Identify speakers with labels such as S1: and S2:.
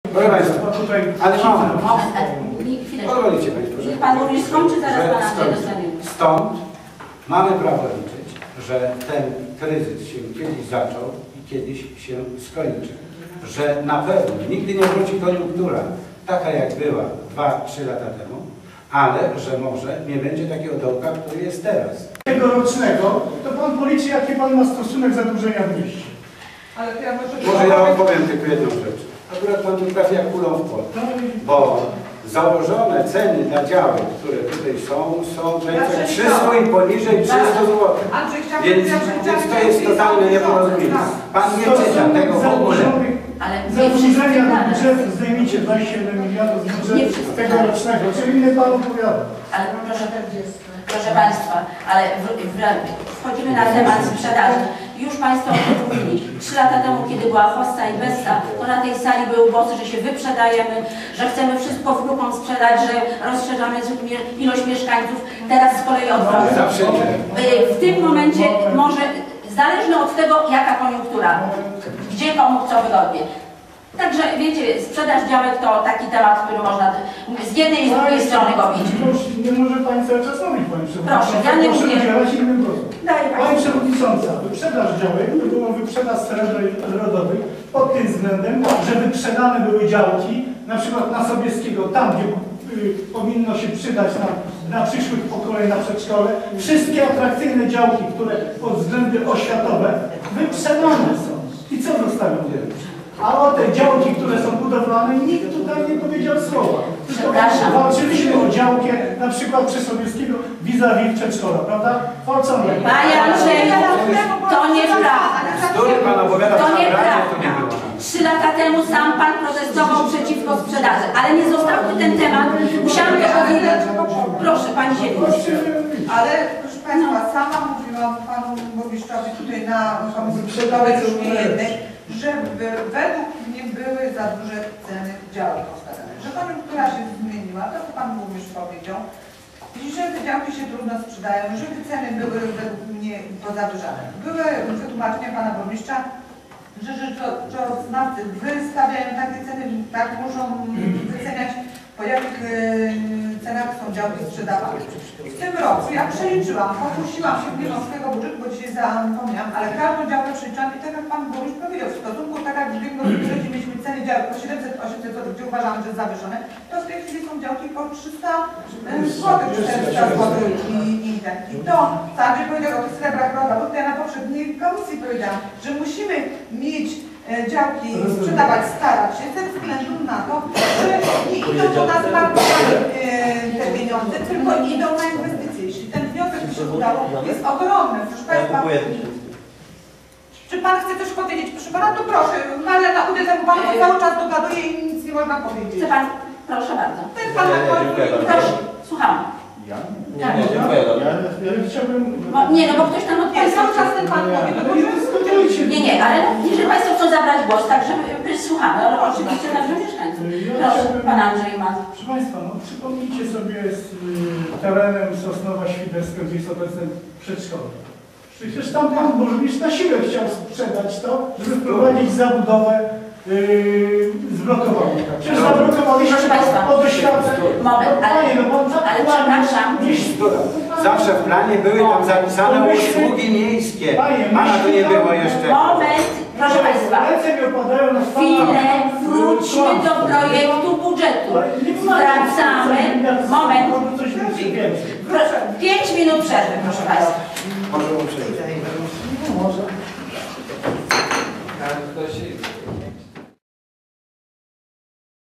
S1: Proszę Państwa, ale pozwolicie Państwo, że
S2: Pan burmistrz skończy, zaraz Pana dostanie.
S1: Stąd mamy prawo liczyć, że ten kryzys się kiedyś zaczął i kiedyś się skończy. Że na pewno nigdy nie wróci koniunktura taka jak była 2-3 lata temu, ale że może nie będzie takiego dołka, który jest teraz.
S3: Tegorocznego, to Pan policzy, jaki Pan ma stosunek zadłużenia w mieście.
S4: Ale to ja
S1: może ja opowiem tylko jedną rzecz. Akurat Pan tu trafi jak kulą w płot, bo założone ceny na działy, które tutaj są często 300 i poniżej 300 zł. Więc to jest totalne nieporozumienie. Pan nie czyta tego w ogóle.
S3: Zadłużenia budżetu zdejmijcie 27 miliardów z budżetu tegorocznego, czyli inny Pan opowiada.
S2: Ale proszę Państwa, ale wchodzimy na temat sprzedaży. Już Państwo o tym mówili. 3 lata temu, kiedy była Hossa i Bessa, to na tej sali były głosy, że się wyprzedajemy, że chcemy wszystko w grupą sprzedać, że rozszerzamy ilość mieszkańców. Teraz z kolei odwrotnie. W tym momencie może, zależnie od tego, jaka koniunktura, gdzie komu co wygodnie. Także wiecie, sprzedaż działek to taki temat, który można z jednej i z drugiej strony go widzieć.
S3: Nie może Pani cały czas mówić, Pani Przewodnicząca.
S2: Proszę, ja nie mówię.
S3: Proszę innym głosem. Pani Przewodnicząca, wyprzedaż działek to była wyprzedaż srebra rodowej pod tym względem, że wyprzedane były działki, na przykład na Sobieskiego, tam gdzie powinno się przydać na przyszłych pokoleń, na przedszkole. Wszystkie atrakcyjne działki, które pod względy oświatowe wyprzedane są. I co zostawione? A o te działki, które są budowlane, nikt tutaj nie powiedział słowa. Tylko walczyliśmy o działkę, na przykład przy Sobieskiego vis-a-vis przedszkola, prawda?
S2: Panie Andrzeju, to nieprawda. To nieprawda. 3 lata temu sam Pan protestował przeciwko sprzedaży, ale nie zostałby ten temat. Musiałam to powiedzieć. Proszę, Pani Zielińska.
S4: Ale proszę Państwa, sama mówiłam Panu burmistrzowi tutaj na komisji przygotowej jednej, że według mnie były za duże ceny działek postawione. Że koniunktura się zmieniła, to co Pan burmistrz powiedział, i że te działki się trudno sprzedają, że te ceny były według mnie pozawyżane. Były wytłumaczenia Pana burmistrza, że rzeczoznawcy wystawiają takie ceny, tak muszą wyceniać, po jakich cenach są działki sprzedawane. W tym roku ja przeliczyłam, pokusiłam się nie mam swojego budżetu, bo dzisiaj zapomniałam, ale każdą działkę przeliczyłam i tak jak Pan burmistrz powiedział, w stosunku tak jak w ubiegłym roku mieliśmy ceny działek po 700-800 zł, gdzie uważamy, że jest zawyżone, to w tej chwili są działki po 300 zł, 400 zł i to, tak, że powiedział o tych srebrach rodowych, to ja na poprzedniej komisji powiedziałam, że musimy mieć działki sprzedawać, starać się ze względu na to, że nie idą do nas te pieniądze, tylko idą na inwestycje. Jeśli ten wniosek by się udało, jest ogromny. Proszę Państwa, czy Pan chce coś powiedzieć? Proszę Pana, to proszę, no ale na udział Pan cały czas dogaduje i nic nie można powiedzieć.
S2: Chce Pan? Proszę bardzo.
S4: Ten Pan na
S2: proszę, słucham.
S3: Ja chciałbym...
S2: Nie, no bo ktoś tam odpowiedział.
S4: Cały czas ten Pan mówi, no bo
S2: nie, ale jeżeli Państwo chcą zabrać głos, tak żeby słuchamy, ale oczywiście także mieszkańców. Proszę, Pan Andrzej ma.
S3: Proszę Państwa, no przypomnijcie sobie z terenem Sosnowa Świderska, gdzie jest obecne przedszkole. Przecież tam Pan burmistrz na siłę chciał sprzedać to, żeby wprowadzić zabudowę zblokowaną. Przecież zablokowaliście od doświadczeń.
S2: Moment, ale przepraszam.
S1: Zawsze w planie były tam zapisane usługi miejskie. Pana tu nie było jeszcze.
S2: Moment, proszę Państwa. Chwilę, wróćmy do projektu budżetu. Wracamy. Moment. 5 minut przerwy, proszę Państwa.
S1: Możemy przejść.
S5: Może.